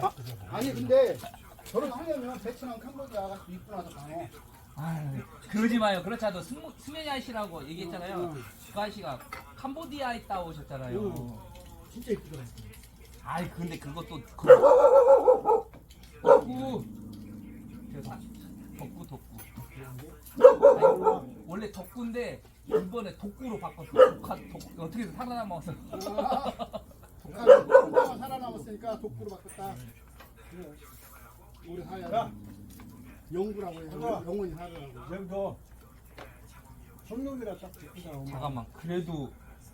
아니 근데 결혼하려면 베트남 캄보디아가 이쁘나서 강어. 아, 그러지 마요. 그렇지 않아도 승현이 아저씨라고 얘기했잖아요. 응. 그 아저씨가 캄보디아에 있다 오셨잖아요. 응. 진짜 이쁘더라. 아이 근데 그것도 덕구 덕구 아니, 원래 덕구인데 이번에 독구로 바꿨어. 어떻게든 살아남아서. 독하면 혼자만 살아남았으니까 독구로 바꿨다. 그래. 우리 사야 영구라고 해. 영원히 살아라고. 여기도 성룡이라 딱 듣구나. 잠깐만 그래도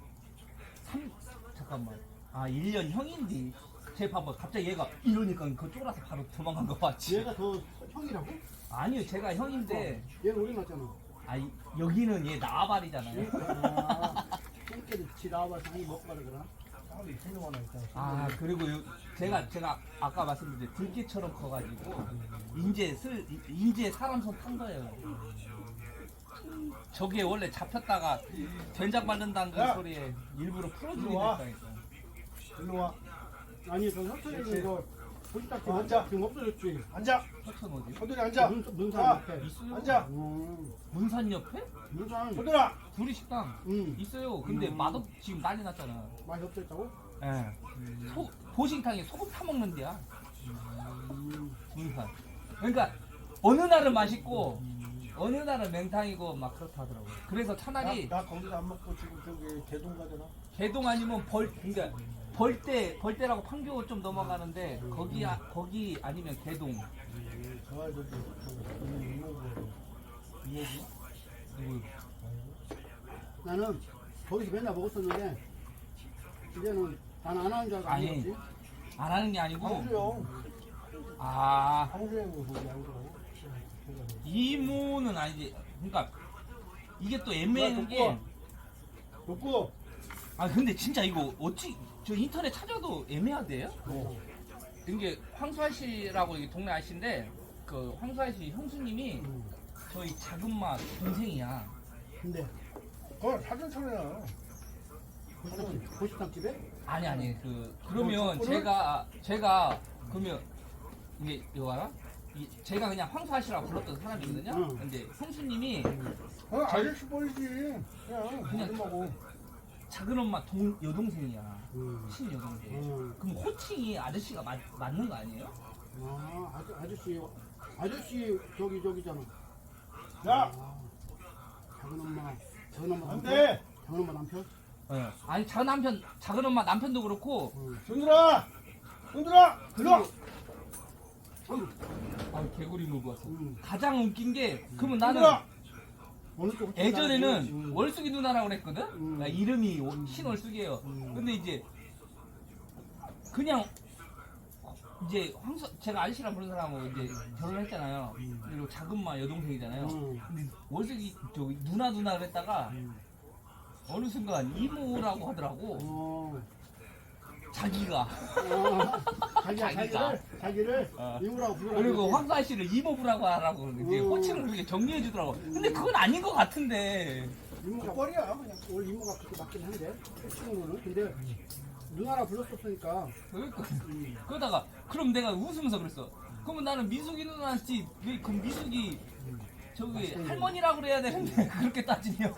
잠깐만 1년 형인데 제 봐봐 갑자기 얘가 이러니까 그거 쫄아서 바로 도망간 거 봤지. 얘가 더 형이라고? 아니요 제가 형인데 얘는 우리 낳잖아. 여기는 얘 나발이잖아요. 형께도 지 나와봐서 많이 먹고 가라 그러나? 성룡 하나 있다. 그리고 제가 아까 말씀드린 들깨처럼 커가지고 인제 사람 손 탄 거예요. 저게 원래 잡혔다가 된장 바른다는 그 소리에 일부러 풀어주게 됐다니까. 일로 와. 아니 그 협찬이 이거 보시다 앉아. 지금 없어졌지. 앉아. 서천 어디? 호들이 앉아. 문산 아, 옆에. 있어요. 앉아. 문산 옆에? 문산. 호들아. 둘이 식당 있어요. 근데 맛없 지금 난리 났잖아. 맛이 없었다고? 예. 보신탕에 소금 타 먹는 데야. 문산. 그러니까 어느 날은 맛있고 어느 날은 맹탕이고 막 그렇다 하더라고요. 그래서 차라리 나 거기서 안 먹고 지금 저기 개동 가잖아. 개동 아니면 그러니까 벌떼라고 판교 좀 넘어가는데 거기 아니면 개동. 저 아저씨 이모부. 누구? 나는 거기서 맨날 먹었었는데 이제는 난 안 하는 줄 알고 안 아니. 먹었지. 안 하는 게 아니고 황수영. 황수영 거기 양주라고. 이모는 아니지. 그러니까 이게 또 애매한 게 놓고. 근데 진짜 이거 어찌 저 인터넷 찾아도 애매하대요? 이게 황수아 씨라고 여기 동네 아저씨인데 그 황수아 씨 형수님이 저희 작은마 동생이야. 근데 그건 사전천이야. 보식당 집에? 아니 그러면 제가 그러면 이게 이거 알아? 제가 그냥 황수아 씨라고 불렀던 사람이거든요. 근데 형수님이 아저씨 보이지. 그냥 하고. 작은 엄마 여동생이야. 친여동생. 그럼 호칭이 아저씨가 맞는 거 아니에요? 아저씨 저기잖아. 야. 작은 엄마 안 남편? 돼. 작은 엄마 남편? 네. 아니 작은 엄마 남편도 그렇고. 손들아. 들어. 개구리 물고 왔어. 응. 가장 웃긴 게 그러면 나는 어느 쪽 예전에는 월숙이 누나라고 그랬거든? 음. 이름이 신월숙이에요. 근데 이제 그냥 이제 제가 아저씨랑 부르는 사람하고 이제 결혼했잖아요. 그리고 작은마 여동생이잖아요. 근데 월숙이 저기 누나 그랬다가 어느 순간 이모라고 하더라고. 자기가. 자기를 이모라고 부르라고. 그리고 황수아 씨를 이모부라고 하라고 이제 호칭을 그렇게 정리해 주더라고. 근데 그건 아닌 것 같은데. 이모가 뻘이야. 그냥 원래 이모가 그렇게 맞긴 한데 호칭으로는. 근데 누나라 불렀었으니까. 그러다가 그럼 내가 웃으면서 그랬어. 그러면 나는 미숙이 누나한테 왜 그 미숙이 저기 할머니라고 그래야 되는데 그렇게 따지면.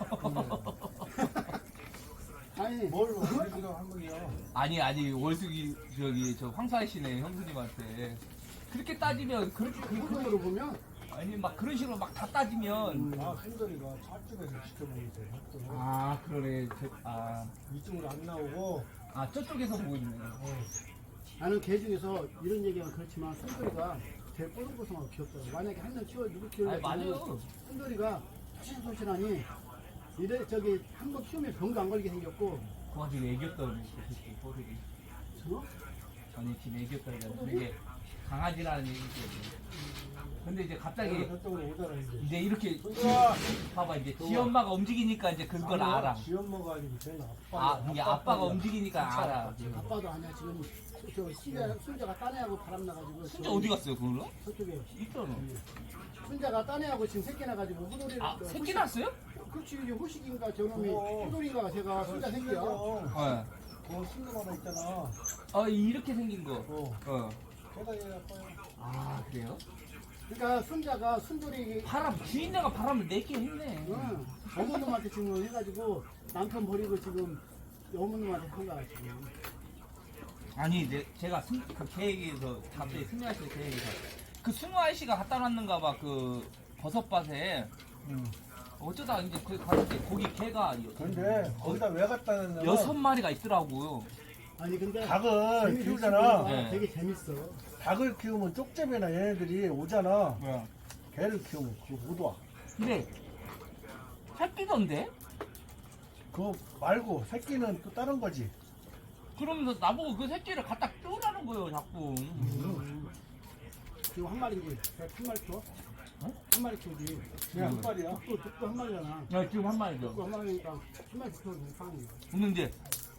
아니 뭘 우리가 한 거야. 아니 월숙이 저 황수아 씨네 형수님한테 그렇게 따지면 그렇게 그걸로 보면 아니 막 그런 식으로 막 다 따지면. 순돌이가 저쪽에서 시켜먹는데. 그러네. 이쪽으로 안 나오고. 저쪽에서 보고 있네. 나는 개 중에서 이런 얘기가 그렇지만 순돌이가 제일 뽀송뽀송하고 귀엽더라고. 만약에 한 명 누구 키우려고 맞아요. 순돌이가 소신소신하니 이래 저기 한 번 키우면 병도 안 걸리게 생겼고. 그 와중에 애기였다는 그 새끼 호들이. 전에 지금 애기였다는 게 강아지라는 얘기죠. 근데 이제 갑자기 저쪽으로 오잖아 이제 이렇게 손들아. 봐봐 이제 지 엄마가 움직이니까 이제 그걸 알아. 지 엄마가 아니고 쟤는 아빠. 이게 아빠가 움직이니까 알아. 아빠도 아니야 지금 순자가 딴애하고 바람나가지고. 순자 어디 갔어요 그걸로? 저쪽에 있잖아. 순자가 딴애하고 지금 새끼 나가지고 호돌이를. 새끼 났어요? 그렇지. 이제 호식인가 저놈이 호돌인가 제가 순자 새끼야. 네. 순돌 하나 있잖아. 이렇게 생긴 거. 계단이 아파요. 아 그래요? 그러니까 손자가 순돌이 주인네가 바람을 내게 했네. 응. 어머님한테 지금 해가지고 남편 버리고 지금 어머님한테 한 거야 지금. 아니 제가 그 계획에서 갑자기 승우 아저씨 계획에서 그 승우 아저씨가 갖다 놨는가 봐 그 버섯밭에. 어쩌다 이제 그 갔는데 거기 개가 근데 거기다 왜 갖다 놨냐면 6마리가 있더라고요. 아니 근데 닭을 재밌는 키우잖아. 친구가 네. 되게 재밌어. 닭을 키우면 쪽제비나 얘네들이 오잖아. 뭐야? 개를 키우면 그거 못 와. 근데 새끼던데? 그거 말고 새끼는 또 다른 거지. 그러면서 나보고 그 새끼를 갖다 끼우라는 거예요 자꾸. 지금 한 마리지. 한 마리 키워? 어? 한 마리 키우지. 그냥 한 마리야. 족도 한 마리잖아. 야, 지금 한 마리죠. 족도 한 마리니까 한 마리 키우면 사는 거야. 근데 이제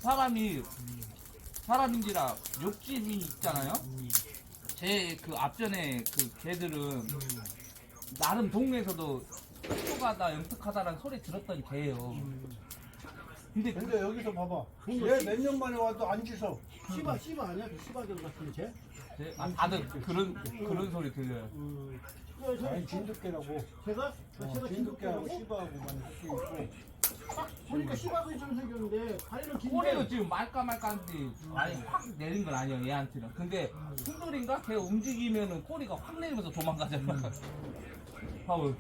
사람인지라 욕심이 있잖아요. 제 그 앞전에 그 개들은 나름 동네에서도 촉촉하다 영특하다라는 소리 들었던 개예요. 근데 근데 여기서 봐봐. 그거 얘 몇 년 만에 와도 안 짖어. 씨바 아니야? 그 씨바견 같은 개? 다들 그런 소리 들려요. 아니 진돗개라고. 제가 진돗개하고 진돗개라고? 씨바하고만 섞여 있고. 보니까 씨바견처럼 생겼는데 다리는 꼬리도 긴데 지금 말까말까한데 많이 확 내린 건 아니에요 얘한테는. 근데 순돌인가 걔 움직이면은 꼬리가 확 내리면서 도망가잖아. 봐봐.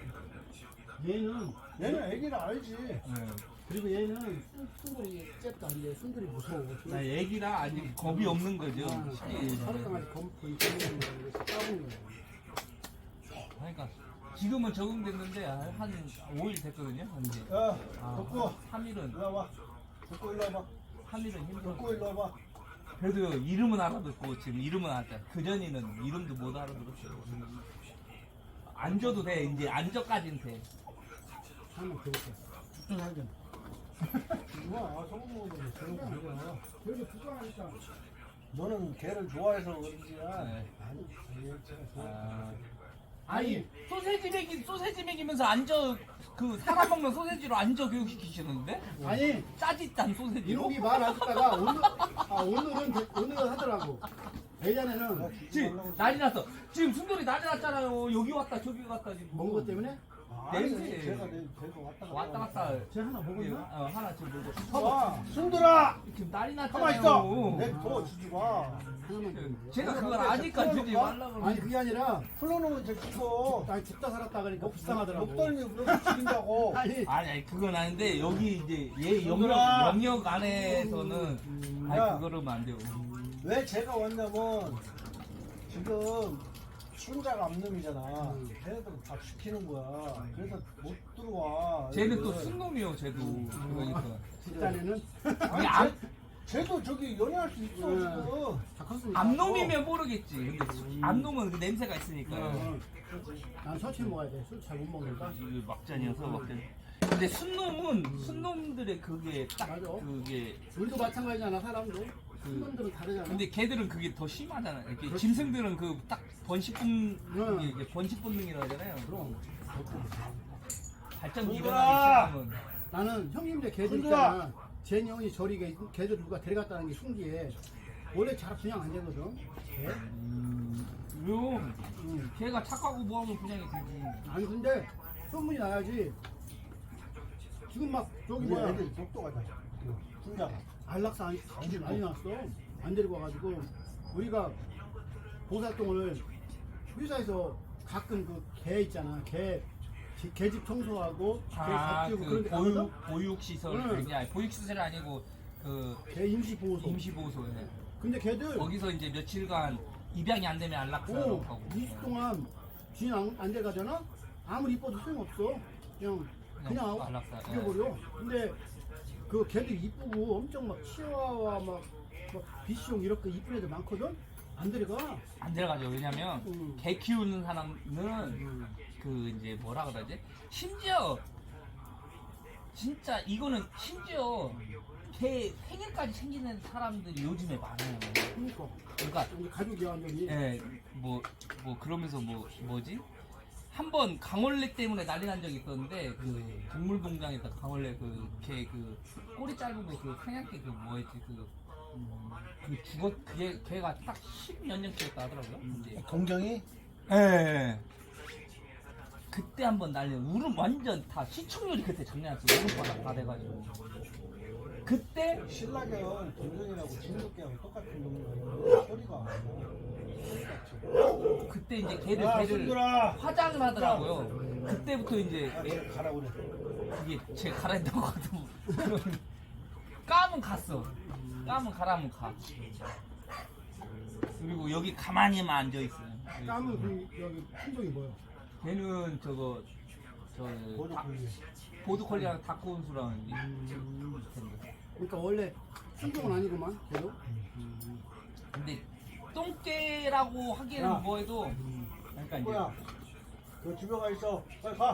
얘는 애기라 알지. 네. 그리고 얘는 순돌이 잽도 안 돼. 순돌이 무서워. 나 애기라 아직 겁이 없는 거죠. 서로 강아지 검은 거야. 까부는 거야. 그러니까 지금은 적응됐는데 한 5일 됐거든요. 이제 야, 덕구 3일은 일로 와봐. 덕구 일로 와봐. 3일은 힘들어. 덕구 일로 와봐. 그래도 이름은 알아듣고 지금 이름은 알았다. 그 전에는 이름도 못 알아들었어요. 앉아도 돼. 이제 앉아까지는 돼. 한번 배고파. 죽도 살겠네. 좋아, 소금 먹으면 그런 거 아니야. 그래도 불쌍하니까. 너는 개를 좋아해서 그런지야. 네. 아니, 아니 소세지 먹이면서 앉아 그 사람 먹는 소세지로 앉아 교육시키시는데 아니 짜짓단 소세지로. 이놈이 말 안 듣다가 오늘은 하더라고. 예전에는 지금 난리 났어. 지금 순돌이 난리 났잖아요. 여기 왔다 저기 갔다 지금. 먹은 것 때문에 냄새. 제가 왔다 갔다. 제가 하나 먹었나? 하나 지금 먹고. 와, 순돌아! 지금 난리 가만 났잖아요. 있어! 내더 주지 마. 하나만 먹었나? 제가 그걸 아니까 주지 말라고. 아니 그게 아니라 풀어놓으면 제 죽어. 나 죽다 살았다 그러니까 불쌍하더라고. 목덜미 그렇게 죽인다고. 아니 그건 아닌데 여기 이제 얘 순돌아! 영역 안에서는 야. 그거는 안 돼요. 왜 제가 왔냐면 지금 순자가 암놈이잖아. 걔네들 다 시키는 거야. 그래서 못 들어와. 쟤는 또 얘들. 순놈이요, 쟤도. 그러니까. 집단에는 아니, 암- 쟤도 저기 연애할 수 있어 지금. 다 컸으니까. 암놈이면 모르겠지. 근데 암놈은 그 냄새가 있으니까. 난 서치 먹어야 돼. 술 잘 못 먹으니까. 이게 막잔이어서 막잔. 근데 순놈들의 그게 딱 맞아. 그게. 우리도 마찬가지잖아 사람도. 순놈들은 다르잖아. 근데 걔들은 그게 더 심하잖아요. 이렇게 그렇지. 짐승들은 그 딱 번식 본능이라고 하잖아요. 그럼 발전 순돌아! 일어나기 시작하면. 나는 형님들 개들 순돌아! 있잖아. 제 형이 저리 개들 누가 데려갔다는 게 신기해. 원래 잘 그냥 안 되거든. 개? 그럼 응. 걔가 착하고 뭐하면 그냥이 되지. 아니 근데 소문이 나야지. 지금 막 저기 우리 뭐야 애들 똑똑하다. 순자가. 안락사 많이 났어. 안 데리고 와가지고 우리가 봉사활동을 회사에서 가끔 그 개 있잖아. 개집 청소하고 개 잡히고 그런 데 가거든. 보육시설 응. 아니 보육시설이 아니고 그 개 임시보호소. 임시보호소에 근데 걔들 거기서 이제 며칠간 입양이 안 되면 안락사로 가고 2주 동안 주인 안 돼가잖아? 아무리 이뻐도 소용없어. 그냥 안락사. 죽여버려. 근데 그 걔들 이쁘고 엄청 막 치와와 막 비숑 이렇게 이쁜 애들 많거든? 안 데려가. 안 들어가죠. 왜냐면 응. 개 키우는 사람은 그 이제 뭐라 그러지? 심지어 진짜 이거는 심지어 개 생일까지 챙기는 사람들이 요즘에 많아요. 그러니까 그러니까 우리 가족이야 완전히. 뭐 그러면서 뭐지? 한 번 강원래 때문에 난리 난 적이 있었는데 그 동물농장에서 강원래 그 개 그 꼬리 짧은 거 그 사냥개 그 뭐였지 그 그게 걔가 딱 10몇 년 키웠다 하더라고요. 근데 동경이? 예. 그때 한번 날려 울음 완전 다 시청률이 그때 장난 아니었어. 울음바닥 다 돼가지고 그때 신라견 동경이라고 진돗개하고 똑같은 놈이야. 소리가 그때 이제 걔를 손들아! 화장을 하더라고요. 그때부터 이제 가라 그래. 그게 제가 가라 했다고 하도 까면 갔어. 까면 가라면 가. 그리고 여기 가만히만 앉아 있어요. 까면 그 여기 품종이 뭐예요? 걔는 저거 보드콜리랑 다크온수랑 이제 그러니까 원래 품종은 아니구만 계속. 근데 똥개라고 하기에는 야. 뭐해도 그러니까 이제 뭐야? 너 집에 가 있어. 빨리 가.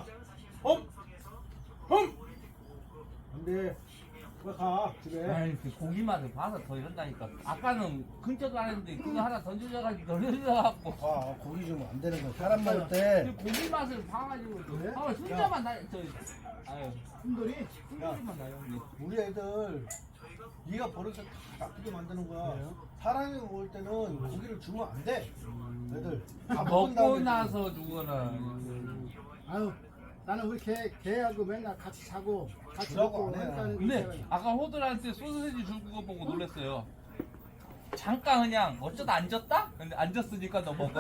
홈! 안 돼. 빨리 가. 집에. 아니 그 고기 맛을 봐서 더 이런다니까. 아까는 근처도 안 했는데 그거 하나 던져져갖고 아, 고기 주면 안 되는 거야. 사람 먹을 때. 그 고기 맛을 봐가지고 그래? 아 순자만 나 아유 품돌이 순자만 나요. 근데. 우리 애들 네가 버릇을 다 나쁘게 만드는 거야. 그래요? 사람이 먹을 때는 고기를 주면 안 돼. 애들. 아, 다 먹고 먹은 다음에 나서 주거나 아유 나는 우리 개하고 맨날 같이 자고 같이 주라고 먹고 안 해. 한다는 근데 아까 호들한테 소시지 줄 거 보고 놀랐어요. 잠깐 그냥 어쩌다 앉았다? 근데 앉았으니까 너 먹어.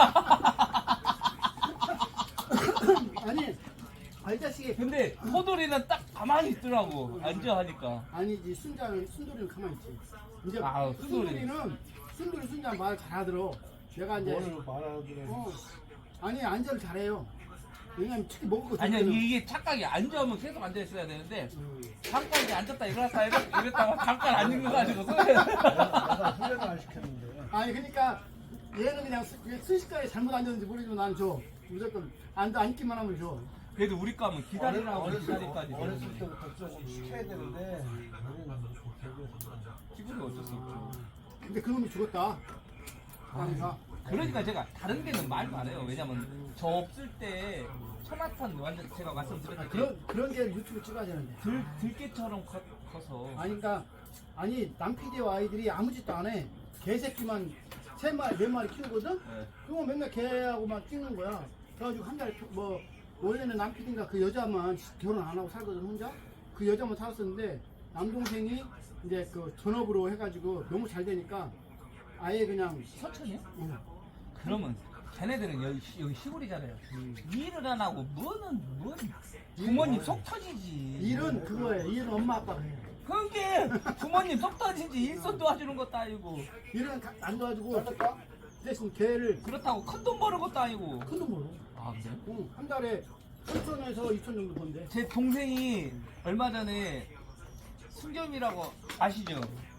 아니 이 자식이 근데 호돌이는 딱 가만히 있더라고. 앉아 하니까. 아니지 순돌이는 가만히 있지. 이제 아, 순돌이. 순자 말 잘하더러. 내가 이제 뭘 말하더래. 아니 안전을 잘해요. 왜냐면 특히 먹을 거 아니야 좋거든. 이게 착각이 앉으면 계속 앉아 있어야 되는데 잠깐 이제 앉았다 일어났다 이랬다가 잠깐 앉은 거 가지고 내가 훈련을 안 시켰는데. 아니 그러니까 얘는 그냥 순식간에 잘못 앉았는지 모르지만 나는 줘. 무조건 앉기만 하면 줘. 그래도 우리 거면 기다리라고 기다리까지 어렸을 때부터 조금 시켜야 되는데 우리는 기분이 어쩔 수 없죠. 근데 그놈이 죽었다. 그러니까 그러니까 제가 다른 데는 말도 안 해요. 왜냐면 저 없을 때 천하탄 완전 제가 말씀드렸는데 그런 게 유튜브 찍어야 되는데. 들깨처럼 커서 아니 그러니까 아니 남PD와 아이들이 아무 짓도 안 해. 개새끼만 3마리 4마리 키우거든. 네. 그거 맨날 개하고만 찍는 거야. 그래가지고 한 달에 뭐 원래는 남PD인가 그 여자만 결혼 안 하고 살거든 혼자. 그 여자만 살았었는데 남동생이 이제 그 전업으로 해가지고 너무 잘 되니까 아예 그냥 서천이요? 응. 그러면 걔네들은 여기 시골이잖아요. 일을 안 하고 뭐는 부모님 속 터지지. 일은 그거예요. 일은 엄마 아빠가 해. 그게 부모님 속 터지지 일손 도와주는 것도 아니고 일은 안 도와주고 대신 개를 그렇다고 큰 돈 버는 것도 아니고. 큰 돈 벌어. 아 그래요? 응. 한 달에 3,000에서 2,000 정도 번대. 제 동생이 얼마 전에 순겸이라고 아시죠?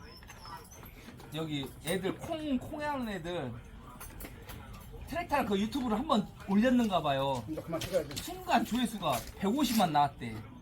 여기 애들 콩에 하는 애들 트랙터를 그 유튜브로 한번 올렸는가 봐요. 그만 찍어야 돼. 순간 조회수가 150만 나왔대.